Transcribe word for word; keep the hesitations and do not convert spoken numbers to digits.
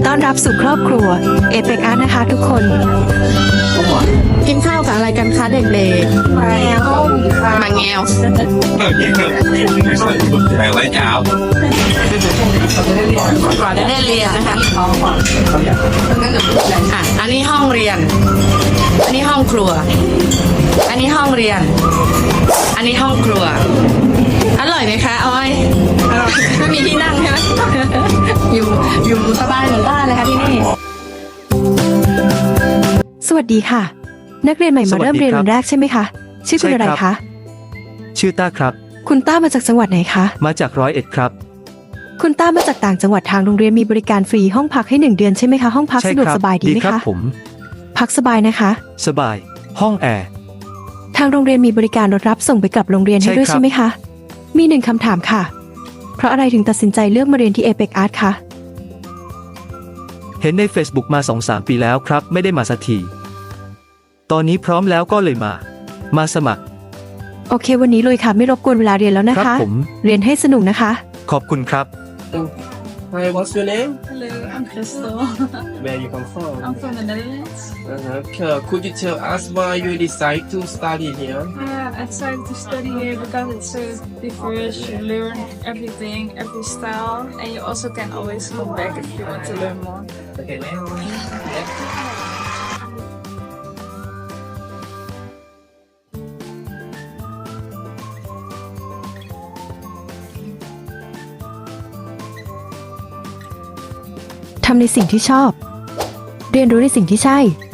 ต้อนรับสู่ครอบครัวเอเปกอาร์ตนะคะทุกคนกินข้าวกับอะไรกันคะเด็กๆมาแงวมาแงวแบ่งไว้เช้าก่อนจะได้เรียนนะคะอ่ะอันนี้ห้องเรียน อันนี้ห้องครัว อันนี้ห้องเรียน อันนี้ห้องครัว อร่อยไหมคะออยไม่มีที่นั่งใช่ไหมอยู่อยู่สบายเหมือนบ้านเลยค่ะที่นี่สวัสดีค่ะ นักเรียนใหม่มาเริ่มเรียนวันแรกใช่ไหมคะชื่อคุณอะไรคะชื่อต้าครับคุณต้ามาจากจังหวัดไหนคะมาจากร้อยเอ็ดครับคุณต้ามาจากต่างจังหวัดทางโรงเรียนมีบริการฟรีห้องพักให้หนึ่งเดือนใช่ไหมคะห้องพักใช่สะดวกครัสบายดีไหมครัคะผมพักสบายนะคะสบาย ห้องแอร์ทางโรงเรียนมีบริการรถรับส่งไปกลับโรงเรียนให้ใช่ด้วยครับใช่ไหมคะมีหนึ่งคำถามค่ะ เพราะอะไรถึงตัดสินใจเลือกมาเรียนที่เอเปกอาร์ตคะเห็นใน Facebook มา สองสาม ปีแล้วครับ ไม่ได้มาสักที ตอนนี้พร้อมแล้วก็เลยมา มาสมัครโอเควันนี้เลยค่ะไม่รบกวนเวลาเรียนแล้วนะครัคะผมเรียนให้สนุกนะคะขอบคุณครับ Hi, what's your name? Hello, I'm Crystal. Where you come from? I'm from the Netherlands. Uh-huh. Okay. Could you tell us why you decide to study here? Uh, I decided to study here because it's so diverse. You learn everything, every style, and you also can always come back if you want to learn more. Okay. ทำในสิ่งที่ชอบ เรียนรู้ในสิ่งที่ใช่